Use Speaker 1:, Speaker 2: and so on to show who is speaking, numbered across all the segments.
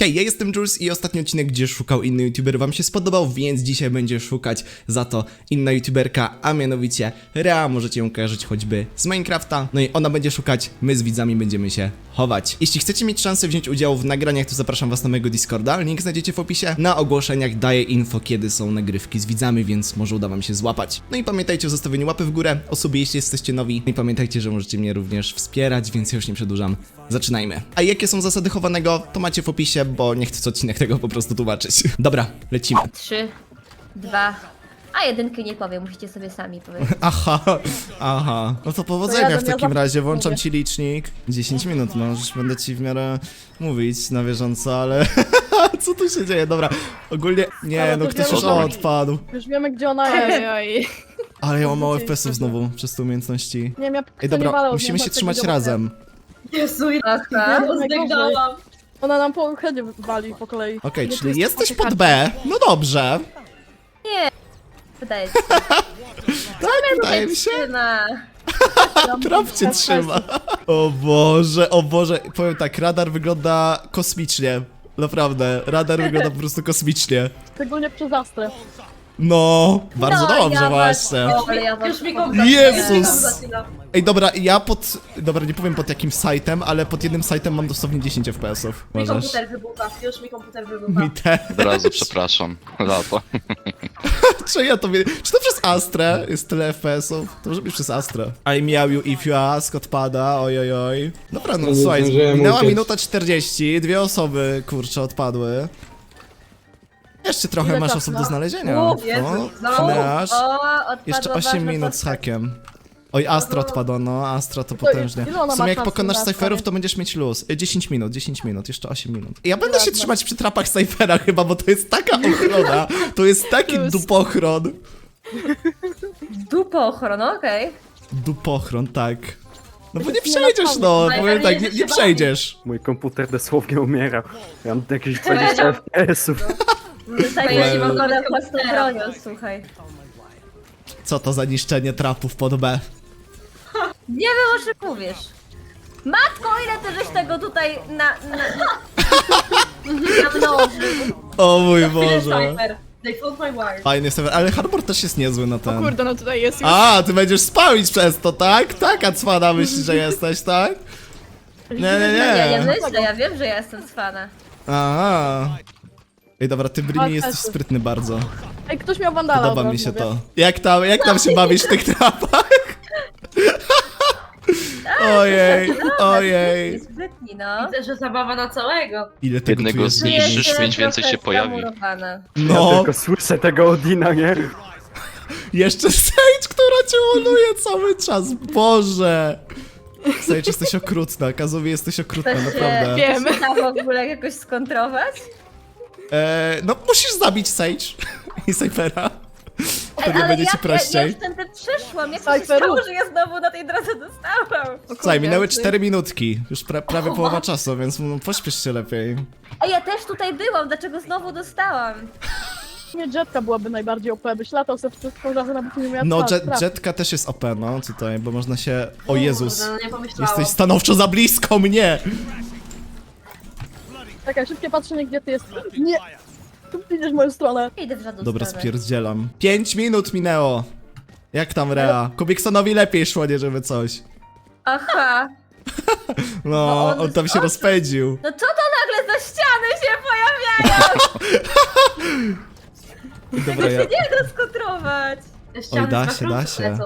Speaker 1: Hej, ja jestem Jules i ostatni odcinek, gdzie szukał inny youtuber, wam się spodobał, więc dzisiaj będzie szukać za to inna youtuberka, a mianowicie Rea, możecie ją kojarzyć choćby z Minecrafta. No i ona będzie szukać, my z widzami będziemy się chować. Jeśli chcecie mieć szansę wziąć udział w nagraniach, to zapraszam was na mojego Discorda, link znajdziecie w opisie. Na ogłoszeniach daję info, kiedy są nagrywki z widzami, więc może uda wam się złapać. No i pamiętajcie o zostawieniu łapy w górę, o sobie, jeśli jesteście nowi. No i pamiętajcie, że możecie mnie również wspierać, więc ja już nie przedłużam. Zaczynajmy. A jakie są zasady chowanego, to macie w opisie, bo nie chcę co odcinek tego po prostu tłumaczyć. Dobra, lecimy.
Speaker 2: 3, 2, a jedynki nie powiem, musicie sobie sami powiedzieć.
Speaker 1: Aha. No to powodzenia w takim razie, włączam ci licznik. 10 minut, no już będę ci w miarę mówić na bieżąco, ale... Co tu się dzieje? Dobra, ogólnie... Nie, no ktoś już odpadł.
Speaker 3: Już wiemy, gdzie ona jest.
Speaker 1: Ale ja mam mało FPS-ów znowu przez te umiejętności.
Speaker 3: Nie wiem, ja
Speaker 1: Ej, dobra, musimy się trzymać razem.
Speaker 4: Jezu,
Speaker 2: Aha.
Speaker 4: ja zdegdałam.
Speaker 3: Ona nam po headzie wali po kolei.
Speaker 1: Okej,
Speaker 3: Nie, tu
Speaker 1: czyli
Speaker 3: jest
Speaker 1: jesteś
Speaker 3: takie
Speaker 1: pod B. No dobrze.
Speaker 2: Wydaje się.
Speaker 1: Tak, wydaje mi się.
Speaker 2: Trzyma.
Speaker 1: Trap cię trzyma. O Boże. Powiem tak, radar wygląda kosmicznie. Naprawdę, radar wygląda po prostu kosmicznie.
Speaker 3: Szczególnie przez Astrę.
Speaker 1: No, bardzo
Speaker 2: No,
Speaker 1: dobrze
Speaker 2: ja
Speaker 1: właśnie.
Speaker 2: was- Ale ja was
Speaker 4: Już mi
Speaker 2: kocham.
Speaker 4: go
Speaker 1: Jezus! Ej, dobra, ja Dobra, nie powiem pod jakim sajtem, ale pod jednym sajtem mam dosłownie 10 FPS-ów.
Speaker 4: Mi
Speaker 1: Możesz?
Speaker 4: komputer wybucha, już mi komputer wybucha.
Speaker 1: Mi też.
Speaker 5: Od razu przepraszam. Lata.
Speaker 1: Czy ja to wiem? Czy to przez Astrę jest tyle FPS-ów? To może być przez Astrę. I miał you if you ask, odpada, ojojoj. Dobra, no
Speaker 6: Nie
Speaker 1: słuchaj,
Speaker 6: zdążyłem
Speaker 1: minęła
Speaker 6: uciec.
Speaker 1: minuta 40, dwie osoby, kurczę, odpadły. Jeszcze trochę
Speaker 3: Ile
Speaker 1: masz
Speaker 3: czasu,
Speaker 1: osób
Speaker 3: no?
Speaker 1: do znalezienia.
Speaker 4: O, Jezu, znowu?
Speaker 1: Neasz.
Speaker 2: O, odpadła
Speaker 1: Jeszcze 8
Speaker 2: ważna
Speaker 1: minut z
Speaker 2: postać.
Speaker 1: hakiem. Oj, Astra odpadła, no, Astra to potężnie.
Speaker 3: ile ona
Speaker 1: W
Speaker 3: ma
Speaker 1: sumie jak
Speaker 3: czasu
Speaker 1: pokonasz
Speaker 3: na
Speaker 1: cyferów,
Speaker 3: stanie?
Speaker 1: to będziesz mieć luz. 10 minut, jeszcze 8 minut. Ja będę się
Speaker 3: Ładno.
Speaker 1: trzymać przy trapach cyfera chyba, bo to jest taka ochrona, to jest taki
Speaker 3: To jest-
Speaker 1: dupochron.
Speaker 2: Dupo ochrona, okej.
Speaker 1: Dupochron, tak. No bo nie
Speaker 3: jest
Speaker 1: przejdziesz, no,
Speaker 4: nienapadny.
Speaker 1: powiem tak, nie
Speaker 4: Najpewniej
Speaker 1: przejdziesz.
Speaker 6: Mój komputer dosłownie umiera. Ja mam jakieś 20 FPS-ów.
Speaker 2: Tutaj
Speaker 4: ja
Speaker 2: nie
Speaker 4: nie
Speaker 2: mam
Speaker 4: mogę
Speaker 2: na
Speaker 4: nawet
Speaker 2: własną
Speaker 4: komputera.
Speaker 2: bronią, słuchaj.
Speaker 1: Co to za niszczenie trapów pod B?
Speaker 2: Nie wiem, o czym mówisz. Matko, ile ty żeś tego tutaj namnożył?
Speaker 1: O mój
Speaker 4: Tyle
Speaker 1: Boże.
Speaker 4: cypher. They found my wire.
Speaker 1: Fajny serwer, ale Harbor też jest niezły na ten.
Speaker 3: Kurde, no tutaj jest już.
Speaker 1: A, ty będziesz spamić przez to, tak? Taka cwana myślisz, że jesteś, tak? Nie.
Speaker 2: Ja nie myślę, ja wiem, że ja jestem z fana.
Speaker 1: Aha. Ej, dobra, ty Brimi jesteś sprytny bardzo.
Speaker 3: Ej, ktoś miał wandala.
Speaker 1: Podoba
Speaker 3: od
Speaker 1: mi
Speaker 3: razu
Speaker 1: się
Speaker 3: mówię.
Speaker 1: to. Jak tam się bawisz w tych trapach? Ojej.
Speaker 2: Sprytni, no.
Speaker 4: Widzę, że zabawa na całego.
Speaker 1: Ile tego tu
Speaker 5: Jednego
Speaker 1: jest?
Speaker 5: zniszczysz,
Speaker 2: Jestem
Speaker 5: 5 więcej się
Speaker 2: trochę
Speaker 5: pojawi.
Speaker 2: zamurowana.
Speaker 6: Ja
Speaker 1: No,
Speaker 6: tylko słyszę tego Odina, nie?
Speaker 1: jeszcze Sage, która cię łoluje cały czas. Boże. Sage, jesteś okrutna. Kazowi, jesteś okrutna,
Speaker 2: Chcesz
Speaker 1: naprawdę.
Speaker 3: Wiem.
Speaker 2: się w ogóle jakoś skontrować?
Speaker 1: No, musisz zabić Sage i Cyphera. Wtedy będzie ci
Speaker 2: Ja
Speaker 1: prościej.
Speaker 2: już tędy przeszłam, jak to się
Speaker 3: Cypher.
Speaker 2: stało, że ja znowu na tej drodze dostałam?
Speaker 1: Słuchaj, minęły 4 minutki. Już prawie połowa czasu, więc no, pośpiesz się lepiej.
Speaker 2: A ja też tutaj byłam, dlaczego znowu dostałam?
Speaker 3: Nie, Jetka byłaby najbardziej OP, byś latał sobie wszystko razem, nawet nie miał
Speaker 1: No, Jetka też jest OP, no, tutaj, bo można się... O Jezus.
Speaker 4: Kurde, no nie pomyślałam.
Speaker 1: Jesteś stanowczo za blisko mnie!
Speaker 3: Czekaj, szybkie patrzenie, gdzie ty jesteś. Nie! Tu idziesz w moją stronę.
Speaker 2: Idę w żadną
Speaker 1: Dobra,
Speaker 2: stronę.
Speaker 1: spierdzielam. 5 minut minęło. Jak tam Rea? Kubiksonowi lepiej szło, nie żeby coś.
Speaker 2: Aha.
Speaker 1: No,
Speaker 2: on
Speaker 1: on tam
Speaker 2: jest
Speaker 1: się
Speaker 2: oszust.
Speaker 1: rozpędził.
Speaker 2: No co to nagle za ściany się pojawiają?
Speaker 1: Dobra,
Speaker 2: Tego
Speaker 1: ja...
Speaker 2: się nie da skontrować.
Speaker 4: Ściany
Speaker 1: Oj, da
Speaker 4: z
Speaker 1: się,
Speaker 4: makro
Speaker 1: da się.
Speaker 4: lecą.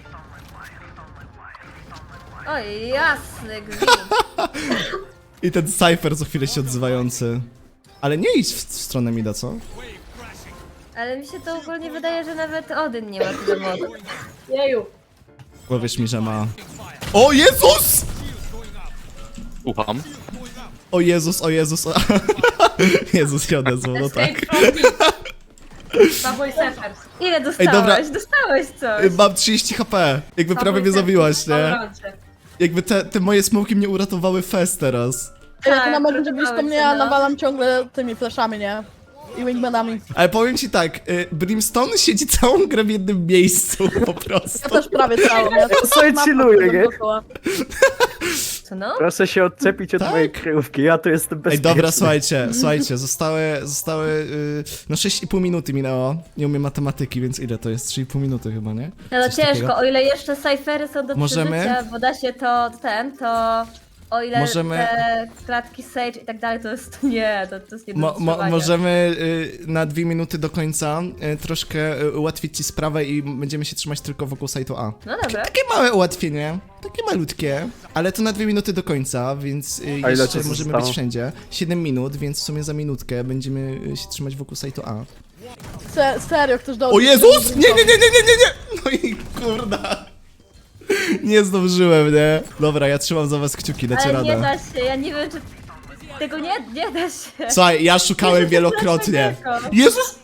Speaker 2: Oj, jasny gwint.
Speaker 1: I ten Cypher co chwilę się odzywający. Ale nie idź w stronę Mida, co?
Speaker 2: Ale mi się to ogólnie wydaje, że nawet Odyn nie ma tyle mocy.
Speaker 4: Jeju.
Speaker 1: Powiesz mi, że ma... O Jezus!
Speaker 5: Ucham.
Speaker 1: O Jezus, o Jezus, o... Jezus się odezwał, no tak.
Speaker 4: Escape from me. Subway Surfers.
Speaker 2: Ile dostałeś?
Speaker 1: dobra.
Speaker 2: Dostałeś coś.
Speaker 1: Mam 30 HP. Jakby
Speaker 4: Subway
Speaker 1: prawie mnie
Speaker 4: Surfers
Speaker 1: zabiłaś,
Speaker 4: w
Speaker 1: nie?
Speaker 4: Valorancie.
Speaker 1: Jakby te moje smoki mnie uratowały fest teraz.
Speaker 3: Ej,
Speaker 2: Tak,
Speaker 3: ty na będzie
Speaker 2: uratowałeś
Speaker 3: blisko mnie,
Speaker 2: się,
Speaker 3: a
Speaker 2: no.
Speaker 3: nawalam ciągle tymi flashami, nie? I wingmanami.
Speaker 1: Ale powiem ci tak, Brimstone siedzi całą grę w jednym miejscu po
Speaker 3: Ja
Speaker 1: prostu.
Speaker 3: też prawie całą. Ja
Speaker 6: To sobie chilluję, nie?
Speaker 3: dookoła.
Speaker 2: Co no?
Speaker 6: Proszę się odczepić od
Speaker 1: Tak.
Speaker 6: mojej kryjówki, ja tu jestem
Speaker 1: Ej,
Speaker 6: bezpieczny.
Speaker 1: dobra, słuchajcie, zostały, no 6,5 minuty minęło. Nie umiem matematyki, więc ile to jest? 3,5 minuty chyba, nie?
Speaker 2: No to
Speaker 1: Coś
Speaker 2: ciężko,
Speaker 1: takiego.
Speaker 2: o ile jeszcze cyfery są do
Speaker 1: Możemy?
Speaker 2: przeżycia, bo da się to o ile
Speaker 1: Możemy-
Speaker 2: te klatki Sage i tak dalej, to jest nie, to jest nie do wytrzymania.
Speaker 1: Możemy na 2 minuty do końca troszkę ułatwić ci sprawę i będziemy się trzymać tylko wokół sajtu A.
Speaker 2: No dobra.
Speaker 1: Takie małe ułatwienie, takie malutkie, ale to na 2 minuty do końca, więc
Speaker 6: A ile
Speaker 1: jeszcze
Speaker 6: czasu
Speaker 1: możemy
Speaker 6: zostało?
Speaker 1: być wszędzie. 7 minut, więc w sumie za minutkę będziemy się trzymać wokół sajtu A.
Speaker 3: Serio, chcesz do...
Speaker 1: O Jezus! Nie! No i kurda. Nie zdążyłem, nie? Dobra, ja trzymam za was kciuki, dacie
Speaker 2: Ale nie
Speaker 1: radę.
Speaker 2: da się, ja nie wiem czy... Tego nie da się.
Speaker 1: Słuchaj, ja szukałem wielokrotnie.
Speaker 2: Dlaczego?
Speaker 1: Jezus!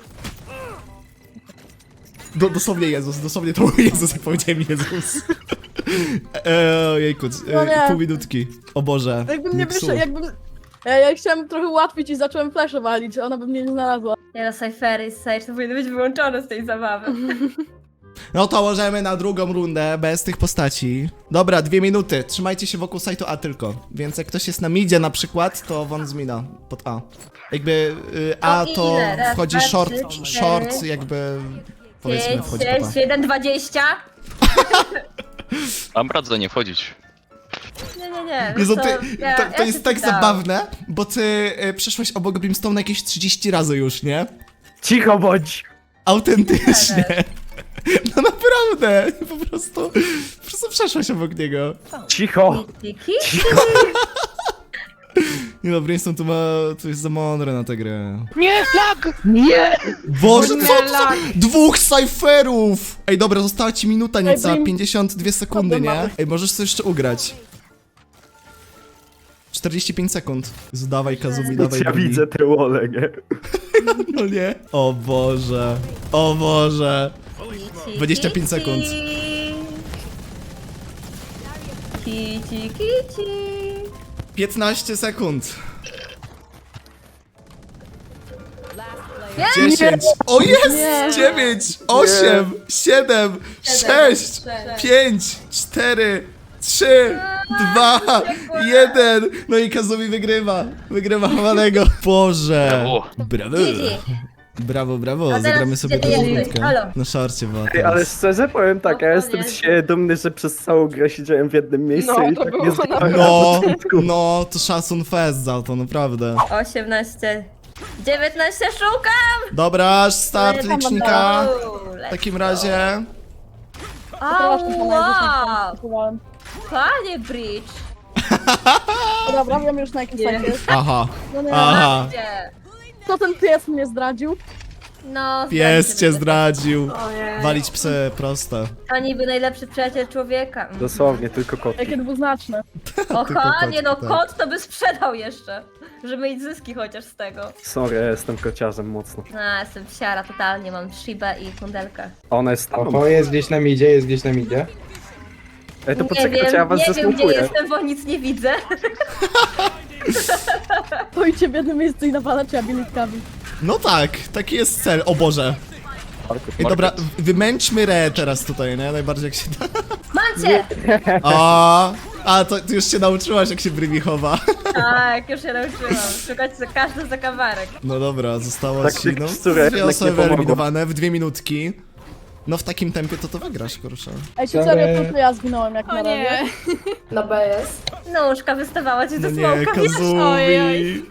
Speaker 1: Dosłownie Jezus, dosłownie to był Jezus, jak powiedziałem Jezus. Ojejku,
Speaker 3: No nie.
Speaker 1: pół minutki. O Boże,
Speaker 3: Jakbym nie
Speaker 1: psuł.
Speaker 3: wyszedł, jakbym... Ja chciałem trochę ułatwić i zacząłem flesze walić, ona by mnie nie znalazła.
Speaker 2: Nie no, cyfery i Sage to powinny być wyłączone z tej zabawy.
Speaker 1: No to możemy na drugą rundę, bez tych postaci. Dobra, 2 minuty, trzymajcie się wokół sajtu A tylko. Więc jak ktoś jest na midzie na przykład, to won z mida, pod A. Jakby A
Speaker 2: No i
Speaker 1: to
Speaker 2: ile? Raz,
Speaker 1: wchodzi
Speaker 2: dwa,
Speaker 1: short,
Speaker 2: trzy,
Speaker 1: short
Speaker 2: cztery,
Speaker 1: jakby... Powiedzmy,
Speaker 2: 5,
Speaker 1: wchodzi pod A.
Speaker 2: 6, 7, 20.
Speaker 5: Mam radzę nie wchodzić.
Speaker 2: Nie.
Speaker 1: Jezu,
Speaker 2: wiesz co,
Speaker 1: to
Speaker 2: ja
Speaker 1: jest
Speaker 2: się
Speaker 1: tak
Speaker 2: pytałam.
Speaker 1: zabawne, bo ty przeszłaś obok Brimstone jakieś 30 razy już, nie?
Speaker 6: Cicho bądź!
Speaker 1: Autentycznie. No naprawdę, po prostu przeszłaś obok niego.
Speaker 6: Cicho!
Speaker 2: Kiki?
Speaker 1: Nie no, Brimstone tu jest za mądre na tę grę.
Speaker 5: Nie, flag!
Speaker 1: Boże, co to za... 2 cyferów! Ej, dobra, została ci minuta nieca,
Speaker 3: Brim-
Speaker 1: 52 sekundy,
Speaker 3: Dobra,
Speaker 1: nie?
Speaker 3: mamy.
Speaker 1: Ej, możesz sobie jeszcze ugrać. 45 sekund. Jezu, dawaj Kazumi, dawaj.
Speaker 6: Ja
Speaker 1: Bumi.
Speaker 6: widzę te wole, nie?
Speaker 1: No nie? O Boże. O Boże.
Speaker 2: Kici,
Speaker 1: 25 sekund.
Speaker 2: Kici.
Speaker 1: 15 sekund.
Speaker 2: Nie!
Speaker 1: 10. O jest!
Speaker 3: Nie.
Speaker 1: 9, 8, 7, 6, 5, 4, 3, 2, 1. No i Kazumi wygrywa. Wygrywa Hawanego. Boże.
Speaker 5: Brawo.
Speaker 1: Brawo.
Speaker 2: GG.
Speaker 1: Brawo, brawo.
Speaker 2: teraz
Speaker 1: Zagramy sobie
Speaker 2: gdzie ty
Speaker 1: drugą
Speaker 2: jesteś?
Speaker 1: minutkę.
Speaker 2: Halo.
Speaker 1: Na szarcie była
Speaker 6: Ej, ale
Speaker 1: teraz.
Speaker 6: szczerze powiem tak, ja jestem z siebie dumny, że przez całą grę siedziałem w jednym miejscu
Speaker 3: No,
Speaker 6: i
Speaker 3: to
Speaker 6: tak
Speaker 3: było
Speaker 6: nie
Speaker 3: naprawdę-
Speaker 6: zginąłem.
Speaker 1: No, to szacun fest za to, naprawdę.
Speaker 2: 18. 19 szukam!
Speaker 1: Dobra, start
Speaker 3: Tam
Speaker 1: licznika.
Speaker 2: Uuu,
Speaker 1: W takim razie...
Speaker 3: Przepraszam,
Speaker 2: Wow!
Speaker 3: pana,
Speaker 2: Panie Bridge!
Speaker 3: Dobra, wiem już na jakim sajcie jest.
Speaker 1: Aha,
Speaker 3: No nie,
Speaker 1: aha.
Speaker 2: Gdzie?
Speaker 3: co ten pies mnie zdradził?
Speaker 2: No,
Speaker 1: Pies cię
Speaker 2: zdradził.
Speaker 1: zdradził.
Speaker 4: Ojej.
Speaker 1: Walić psy, proste.
Speaker 2: To niby najlepszy przyjaciel człowieka.
Speaker 6: Dosłownie, tylko kotki.
Speaker 3: Jakie dwuznaczne.
Speaker 2: Oha,
Speaker 1: kot,
Speaker 2: nie no,
Speaker 1: tak.
Speaker 2: kot to by sprzedał jeszcze. Żeby mieć zyski chociaż z tego.
Speaker 6: Sorry, ja jestem kociarzem mocno.
Speaker 2: No, jestem psiara totalnie, mam Shibę i kundelkę.
Speaker 6: A ona jest tam.
Speaker 7: O, jest gdzieś na midzie, jest gdzieś na midzie.
Speaker 6: Ej, to
Speaker 2: Nie
Speaker 6: poczekajcie,
Speaker 2: wiem,
Speaker 6: ja was
Speaker 2: nie wiem gdzie
Speaker 6: zasmukuję.
Speaker 2: jestem, bo nic nie widzę.
Speaker 3: Pójdźcie w jednym miejscu i nawalacie abilitkami.
Speaker 1: No tak, taki jest cel. O Boże. Ej, dobra, wymęczmy Re teraz tutaj, nie? Najbardziej jak się da.
Speaker 2: Mam cię!
Speaker 1: A to ty już się nauczyłaś, jak się Brymi chowa.
Speaker 2: Tak, już się nauczyłam. Szukać za każdy zakamarek.
Speaker 1: No dobra, zostało
Speaker 6: Tak
Speaker 1: ci,
Speaker 6: tych
Speaker 1: no,
Speaker 6: psturek
Speaker 1: dwie
Speaker 6: jednak nie
Speaker 1: osoby
Speaker 6: pomogło.
Speaker 1: wyeliminowane w 2 minutki. No w takim tempie to wygrasz, kurczę.
Speaker 3: Ej, czy serio, tylko ja zginąłem jak na razie?
Speaker 4: Na B jest.
Speaker 2: Nóżka wystawała ci
Speaker 1: No
Speaker 2: ze
Speaker 1: nie,
Speaker 2: smoka.
Speaker 1: Kazumi.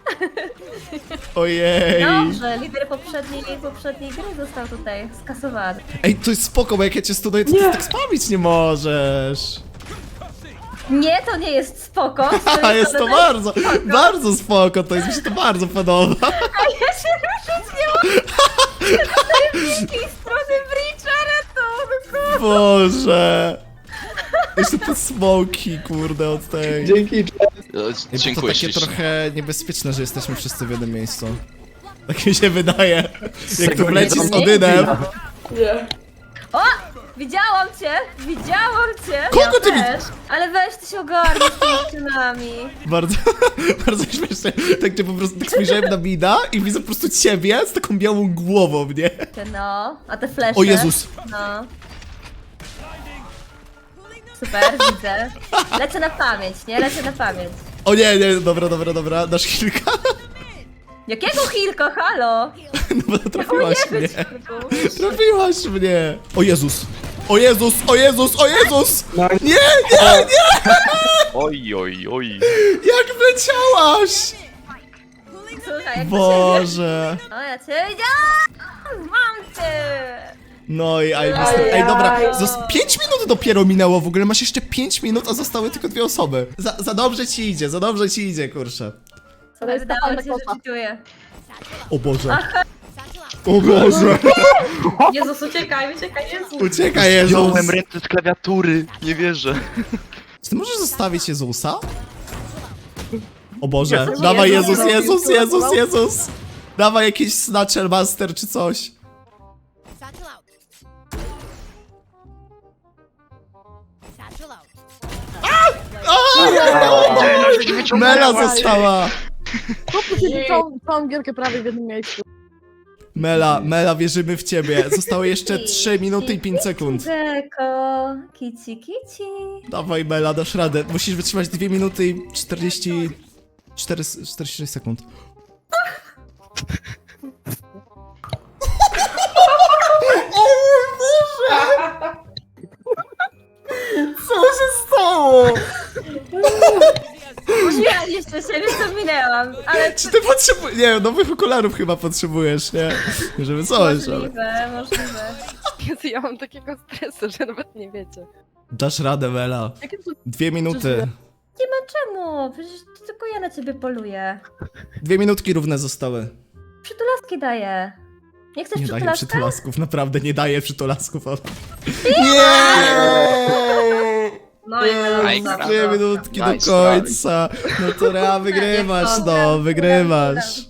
Speaker 1: Ojej.
Speaker 2: Dobrze, lider poprzedniej gry został tutaj skasowany.
Speaker 1: Ej, to jest spoko, bo jak ja cię studiuję, to ty tak spamić nie możesz.
Speaker 2: Nie, to nie jest spoko.
Speaker 1: A jest to bardzo, bardzo spoko, to jest, mi się to bardzo podoba.
Speaker 2: Ja się ruszyć nie mogę. Z tej strony Breacha, ratunku.
Speaker 1: Boże. Jeszcze te smoki, kurde, od tej.
Speaker 7: Dzięki,
Speaker 1: To
Speaker 5: Dziękuję
Speaker 1: takie
Speaker 5: ślicznie.
Speaker 1: trochę niebezpieczne, że jesteśmy wszyscy w jednym miejscu. Tak mi się wydaje. Jak tu
Speaker 6: Tego
Speaker 1: wleci
Speaker 6: nie
Speaker 1: z Odynem.
Speaker 4: Nie.
Speaker 2: O! Widziałam cię! Widziałam cię!
Speaker 1: Kogo ty
Speaker 2: też. Ale weź ty się ogarnij z tymi dziewczynami.
Speaker 1: Bardzo, bardzo śmieszne. Tak, że po prostu tak spojrzałem na Mida i widzę po prostu ciebie z taką białą głową, nie?
Speaker 2: No, a te flesze?
Speaker 1: O Jezus.
Speaker 2: No. super, widzę. Lecę na pamięć, nie? Lecę na pamięć.
Speaker 1: O nie, nie, dobra, dasz kilka?
Speaker 2: Jakiego Hilko, halo?
Speaker 1: No bo trafiłaś mnie.
Speaker 2: Hilku.
Speaker 1: Trafiłaś mnie. O Jezus. O Jezus, o Jezus, o Jezus!
Speaker 7: No,
Speaker 1: Nie, nie, nie!
Speaker 5: Oj, oj, oj.
Speaker 1: Jak wleciałaś!
Speaker 2: Słuchaj, jak to się...
Speaker 1: Boże.
Speaker 2: O, ja cię widziałam! Mam cię!
Speaker 1: No i ej, dobra, 5 minut dopiero minęło w ogóle, masz jeszcze 5 minut, a zostały tylko 2 osoby. Za dobrze ci idzie, kurczę.
Speaker 3: To jest ta
Speaker 2: Wydawało
Speaker 3: fajna
Speaker 2: ci się, że
Speaker 3: kota.
Speaker 2: czytuję.
Speaker 1: O Boże. O Boże.
Speaker 2: Jezus, uciekaj, Jezus.
Speaker 1: Uciekaj, Jezus.
Speaker 5: Wziąłem ręce z klawiatury. Nie wierzę.
Speaker 1: Czy ty możesz zostawić Jezusa? O Boże,
Speaker 3: Jezus,
Speaker 1: dawaj
Speaker 3: Jezus,
Speaker 1: Jezus, Jezus,
Speaker 3: Jezus,
Speaker 1: Jezus,
Speaker 3: Jezus.
Speaker 1: Jezus. Dawaj jakiś Snatcher Master czy coś.
Speaker 8: Satchel out. Satchel out.
Speaker 1: Mela została.
Speaker 3: Chłopcy siedzi całą gierkę prawie w jednym miejscu.
Speaker 1: Mela, wierzymy w ciebie. Zostały jeszcze 3 minuty i 5 sekund.
Speaker 2: Dzeko, kici.
Speaker 1: Dawaj Mela, dasz radę. Musisz wytrzymać 2 minuty i 46 sekund. Co się stało?
Speaker 2: Ja jeszcze siebie co minęłam, ale
Speaker 1: Czy ty potrzebujesz... Nie, nowych okularów chyba potrzebujesz, nie? Żeby coś, ale...
Speaker 2: możliwe.
Speaker 9: Jezu, ja mam takiego stresu, że nawet nie wiecie.
Speaker 1: Dasz radę, Mela.
Speaker 3: Jakie to
Speaker 1: 2 minuty.
Speaker 2: Nie ma czemu, przecież to tylko ja na ciebie poluję.
Speaker 1: 2 minutki równe zostały.
Speaker 2: Przytulaski daję. Nie chcesz
Speaker 1: Nie daję
Speaker 2: przytulaska?
Speaker 1: przytulasków, naprawdę nie daję przytulasków. Nie!
Speaker 2: No i
Speaker 5: Aj,
Speaker 2: Melon.
Speaker 1: 2 minutki do
Speaker 5: Nice
Speaker 1: końca. No to Rea, wygrywasz, no, wygrywasz.